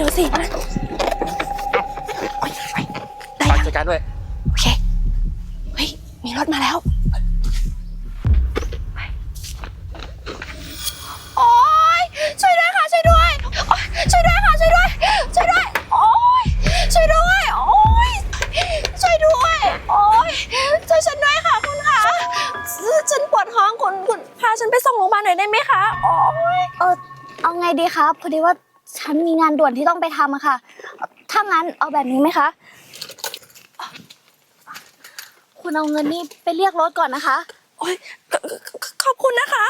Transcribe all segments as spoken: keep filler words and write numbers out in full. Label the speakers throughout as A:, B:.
A: ร็วสิมาได้ยัง
B: จัดการด้วย
A: โอเคเฮ้ยมีรถมาแล้วโอ๊ยช่วยด้วยค่ะช่วยด้วยช่วยด้วยค่ะช่วยด้วยช่วยด้วยโอ๊ยช่วยด้วยโอ๊ยช่วยด้วยโอ๊ยช่วยฉันด้วยค่ะคุณคะฉันปวดท้องคุณคุณพาฉันไปส่งโรงพยาบาลหน่อยได้ไหมคะโอ๊ย
C: เออเอาไงดีครับพอดีว่าฉันมีงานด่วนที่ต้องไปทำอะค่ะถ้างั้นเอาแบบนี้ไหมคะคุณเอาเงินนี่ไปเรียกรถก่อนนะคะ
A: โอ๊ยขอบคุณนะคะ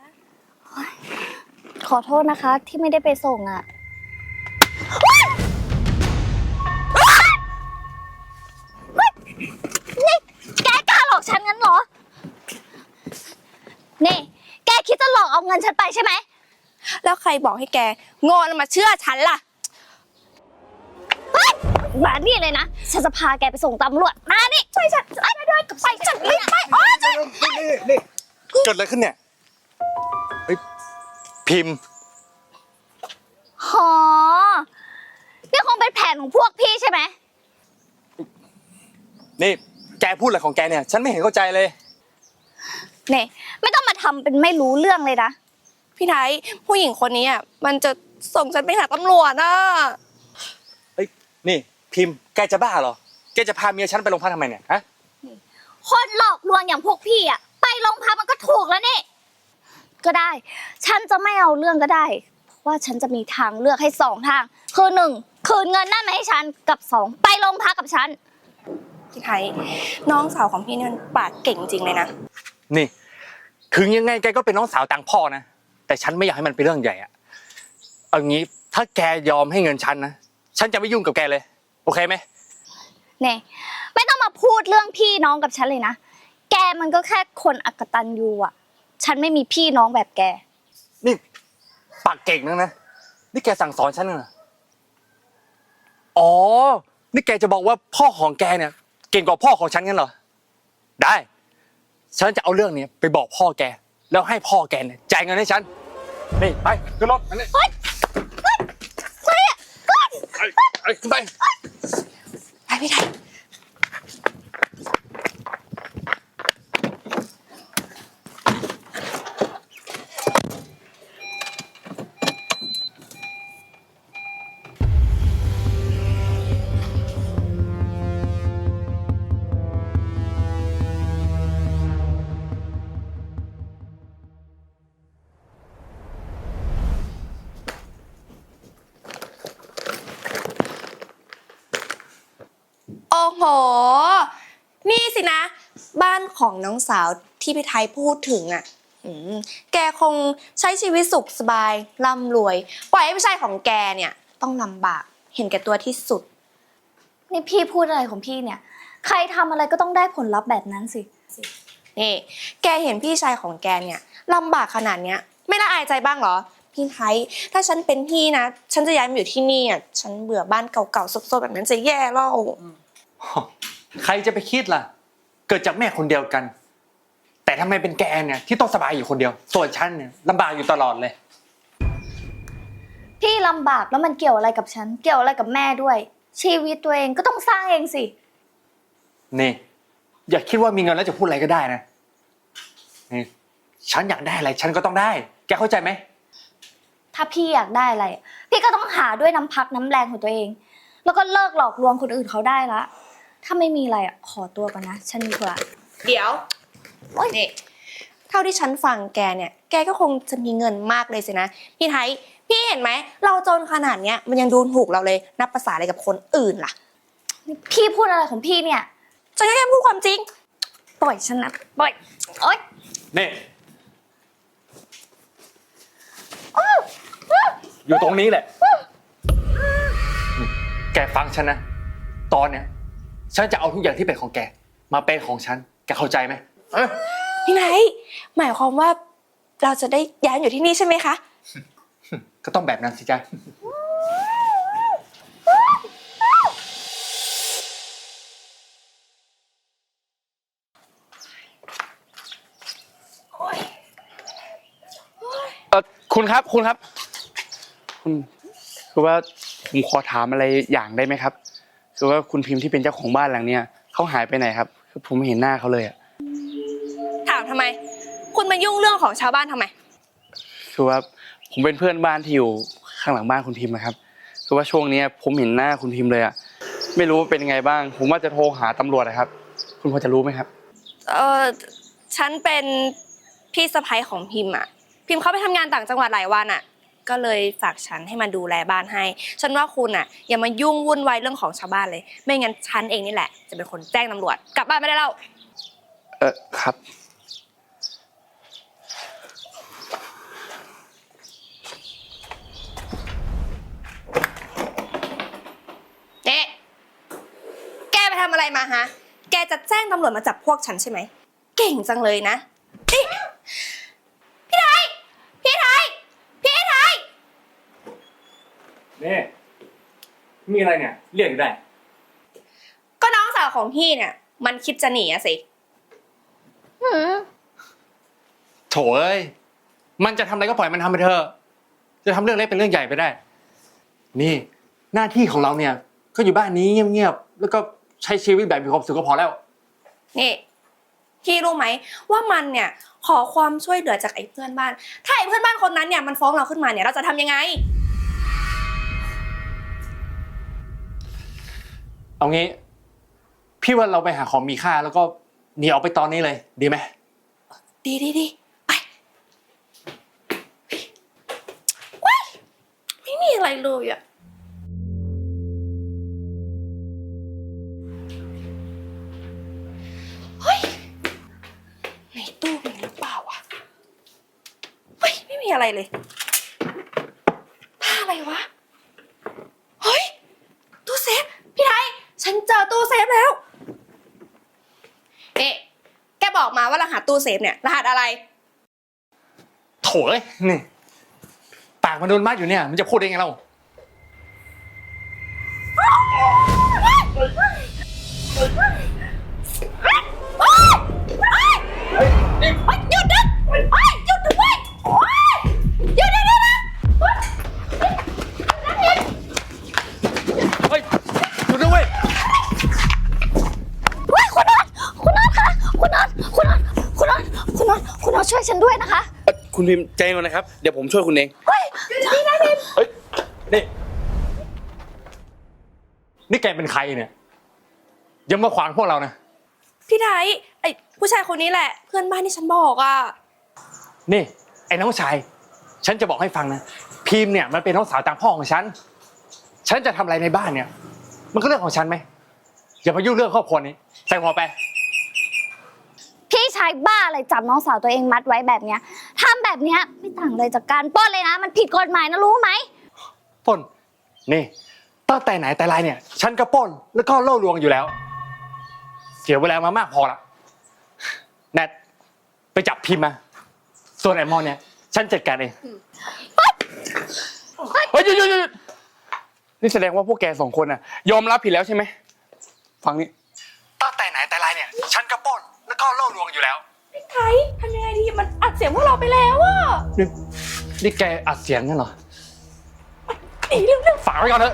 C: ขอโทษนะคะที่ไม่ได้ไปส่งอะนี่แกกล้าหลอกฉันงั้นเหรอนี่แกคิดจะหลอกเอาเงินฉันไปใช่ไหม
A: แล้วใครบอกให้แกโง่แล้วมาเชื่อฉันล่ะ
C: มานี่เลยนะฉันจะพาแกไปส่งตำรวจมานี่ช่วยฉันไปด้วยไปฉันไม่ไปอ๋อช่วย
B: นี่นี่เกิดอะไรขึ้นเนี่ยเฮ้ยพิมพ์
C: หอนี่คงเป็นแผนของพวกพี่ใช่ไหม
B: นี่แกพูดอะไรของแกเนี่ยฉันไม่เห็นเข้าใจเลย
C: เนี่ยไม่ต้องมาทำเป็นไม่รู้เรื่องเลยนะ
A: พี่ไทยผู้หญิงคนนี้อ่ะมันจะส่งฉันไปหาตำรวจอ่ะ
B: เฮ้ยนี่พิมพ์แกจะบ้าเหรอแกจะพาเมียฉันไปโรงพักทำไมเนี่ยฮะ
C: คนหลอกลวงอย่างพวกพี่อ่ะไปโรงพักมันก็ถูกแล้วนี่ก็ได้ฉันจะไม่เอาเรื่องก็ได้เพราะว่าฉันจะมีทางเลือกให้สองทางคือหนึ่งคืนเงินนั่นมาให้ฉันกับสองไปโรงพักกับฉัน
A: พี่ไทยน้องสาวของพี่นี่มันปากเก่งจริงเลยนะ
B: นี่ถึงยังไงแกก็เป็นน้องสาวต่างพ่อนะแต่ฉันไม่อยากให้มันเป็นเรื่องใหญ่อะเอางี้ถ้าแกยอมให้เงินฉันนะฉันจะไม่ยุ่งกับแกเลยโอเคไหม
C: เนี่ยไม่ต้องมาพูดเรื่องพี่น้องกับฉันเลยนะแกมันก็แค่คนอกตัญญูอ่ะฉันไม่มีพี่น้องแบบแก
B: นี่ปากเก่งนักนะนี่แกสั่งสอนฉันเหรออ๋อนี่แกจะบอกว่าพ่อของแกเนี่ยเก่งกว่าพ่อของฉันงั้นเหรอได้ฉันจะเอาเรื่องนี้ไปบอกพ่อแกแล้วให้พ่อแกเนี่ยจ่ายเงินให้ฉันนี่ไปขึ้นรถอันนี้
C: เฮ้ยเฮ้ยเฮ้ยขึ้น
B: ไปไปขึ้นไป
A: ไปพี่ไทยโอ้โหนี่สินะบ้านของน้องสาวที่พี่ไทยพูดถึงอ่ะแกคงใช้ชีวิตสุขสบายร่ำรวยปล่อยให้ผู้ชายของแกเนี่ยต้องลำบากเห็นแก่ตัวที่สุด
C: นี่พี่พูดอะไรของพี่เนี่ยใครทำอะไรก็ต้องได้ผลลัพธ์แบบนั้นสิ
A: นี่แกเห็นพี่ชายของแกเนี่ยลำบากขนาดเนี้ยไม่ละอายใจบ้างเหรอพี่ไทยถ้าฉันเป็นพี่นะฉันจะย้ายมาอยู่ที่นี่อ่ะฉันเบื่อบ้านเก่าๆซบๆแบบนั้นจะแย่แล้ว
B: ใครจะไปคิดล่ะเกิดจากแม่คนเดียวกันแต่ทำไมเป็นแกเนี่ยที่ต้องสบายอยู่คนเดียวส่วนฉันเนี่ยลำบากอยู่ตลอดเลย
C: พี่ลำบากแล้วมันเกี่ยวอะไรกับฉันเกี่ยวอะไรกับแม่ด้วยชีวิตตัวเองก็ต้องสร้างเองสิ
B: นี่อย่าคิดว่ามีเงินแล้วจะพูดอะไรก็ได้นะนี่ฉันอยากได้อะไรฉันก็ต้องได้แกเข้าใจไหม
C: ถ้าพี่อยากได้อะไรพี่ก็ต้องหาด้วยน้ำพักน้ำแรงของตัวเองแล้วก็เลิกหลอกลวงคนอื่นเขาได้ละถ้าไม่มีอะไรอ่ะขอตัวก่อนนะฉันมีธุระ
A: เดี๋ยวนี่เท่าที่ฉันฟังแกเนี่ยแกก็คงจะมีเงินมากเลยสินะพี่ไทยพี่เห็นไหมเราจนขนาดเนี้ยมันยังดูถูกเราเลยนับภาษาอะไรกับคนอื่นล่ะ
C: พี่พูดอะไรของพี่เนี่ย
A: ฉันแค่พูดความจริง
C: ปล่อยฉันนะปล่อยโอ๊ย
B: นี่อยู่ตรงนี้แหละแกฟังฉันนะตอนเนี้ยฉันจะเอาทุกอย่างที่เป็นของแกมาเป็นของฉันแกเข้าใจไหม
A: พี่ไนท์หมายความว่าเราจะได้ย้ายอยู่ที่นี่ใช่ไหมคะ
B: ก็ต้องแบบนั้นสิจ๊ะเออคุณครับคุณครับคุณคือว่า
D: ผมขอถามอะไรอย่างได้ไหมครับคือว่าคุณพิมพ์ที่เป็นเจ้าของบ้านหลังเนี้ยเขาหายไปไหนครับคือผมไม่เห็นหน้าเขาเลยอ่ะ
A: ถามทำไม คุณมายุ่งเรื่องของชาวบ้านทำไม
D: คือว่าผมเป็นเพื่อนบ้านที่อยู่ข้างหลังบ้านคุณพิมพ์นะครับคือว่าช่วงนี้ผมเห็นหน้าคุณพิมพ์เลยอ่ะไม่รู้ว่าเป็นยังไงบ้าง ผมว่าจะโทรหาตำรวจนะครับ คุณพอจะรู้ไหมครับ
A: เออฉันเป็นพี่สะใภ้ของพิมพ์อ่ะ พิมพ์เขาไปทำงานต่างจังหวัดหลายวันอ่ะ ก็เลยฝากฉันให้มาดูแลบ้านให้ ฉันว่าคุณอ่ะอย่ามายุ่งวุ่นวายเรื่องของชาวบ้านเลย ไม่งั้นฉันเองนี่แหละจะเป็นคนแจ้งตำรวจ กลับบ้านไม่ได้แล้ว
D: เออครับ
A: เอ๊ะแกไปทำอะไรมาฮะ แกจะแจ้งตำรวจมาจับพวกฉันใช่ไหม เก่งจังเลยนะเอ๊ะพี่ไทย พี่ไทย พี่ไทย
B: นี่มีอะไรเนี่ยเรียกอยู่ได้
A: ก็น้องสาวของพี่เนี่ย มันคิดจะหนีอะสิ
C: หืม
B: โถเอ้ยมันจะทำอะไรก็ปล่อยมันทำไปเถอะจะทำเรื่องเล็กเป็นเรื่องใหญ่ไปได้ นี่หน้าที่ของเราเนี่ยก็อยู่บ้านนี้เงียบๆแล้วก็ใช้ชีวิตแบบมีความสุขก็พอแล้ว
A: นี่ พี่รู้ไหมว่ามันเนี่ยขอความช่วยเหลือจากไอ้เพื่อนบ้าน ถ้าไอ้เพื่อนบ้านคนนั้นเนี่ยมันฟ้องเราขึ้นมาเนี่ยเราจะทำยังไง
B: เอางี้พี่ว่าเราไปหาของมีค่าแล้วก็หนีออกไปตอนนี้เลยดีไหม
A: ดีดีดีไปว้ายไม่มีอะไรเลยอะเฮ้ยในตู้มีหรือเปล่าวะเฮ้ยไม่มีอะไรเลยผ้าอะไรวะเฮ้ยตู้เซฟพี่ไทยฉันเจอตู้เซฟแล้วเอ๊ะแกบอกมาว่ารหัสตู้เซฟเนี่ยรหัสอะไร
B: โถเอ้ยนี่ปากมันโดนมัดอยู่เนี่ยมันจะพูดได้ไงเรา
A: หยุดนะหยุดด้วยหยุดนะนะ
B: เฮ้ยหยุดด้วยเว้ย
C: เฮ้ยคุณนนท์คุณนนท์คะคุณนนท์คุณนนท์คุณนนท์คุณนนท์คุณนนท์ช่วยฉันด้วยนะคะ
D: คุณพิมพ์ใจเย็นนะครับเดี๋ยวผมช่วยคุณเอง
C: เฮ้ยนี่นะพิม
B: เฮ้ยนี่นี่แกเป็นใครเนี่ยอยังมาขวางพวกเรานะ
A: พี่ไทยไอ้ผู้ชายคนนี้แหละ เพื่อนบ้านที่ฉันบอกอ่ะ
B: นี่ไอ้น้องชายฉันจะบอกให้ฟังนะพิมพ์เนี่ยมันเป็นน้องสาวต่างพ่อของฉันฉันจะทำอะไรในบ้านเนี่ยมันก็เรื่องของฉันไหมอย่ามายุ่งเรื่องครอบครัวนี้ใส่หัวไป
C: พี่ชายบ้าอะไรจับน้องสาวตัวเองมัดไว้แบบเนี้ยทำแบบเนี้ยไม่ต่างเลยจากการปล้นเลยนะ มันผิดกฎหมายนะรู้ไหม
B: ปล้นนี่ตั้งแต่ไหนแต่ไรเนี่ยฉันก็ปล้นแล้วก็ล่อลวงอยู่แล้วเสียเวลามามากพอละแนทไปจับพิมพ์มาส่วนไอ้มอนเนี่ยฉันจัดการเองเฮ้ยหยุดหยุดหยุด
D: นี่แสดงว่าพวกแกสองคนน่ะยอมรับผิดแล้วใช่ไหมฟังนี่
B: ตั้งแต่ไหนแต่ไรเนี่ยฉันก็ปล้นแล้วก็ล่อลวงอยู่แล้ว
A: พี่ไทยทำยังไงดีมันอัดเสียงพวกเราไปแล้วอ่ะ
B: นี่นี่แกอัดเสียงงั้นเหรอ
A: หนีเร็ว
B: ฝากไว้ก่อนเถอะ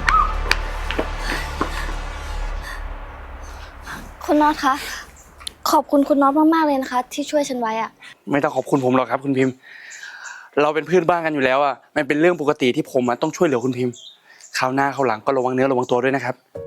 C: คุณน็อตคะขอบคุณคุณน็อตมากๆเลยนะคะ ที่ช่วยฉันไว้อะ
D: ไม่ต้องขอบคุณผมหรอกครับ คุณพิมพ์ เราเป็นเพื่อนบ้านกันอยู่แล้วอ่ะมันเป็นเรื่องปกติที่ผมอะต้องช่วยเหลือคุณพิมพ์คราวหน้าคราวหลังก็ระวังเนื้อระวังตัวด้วยนะครับ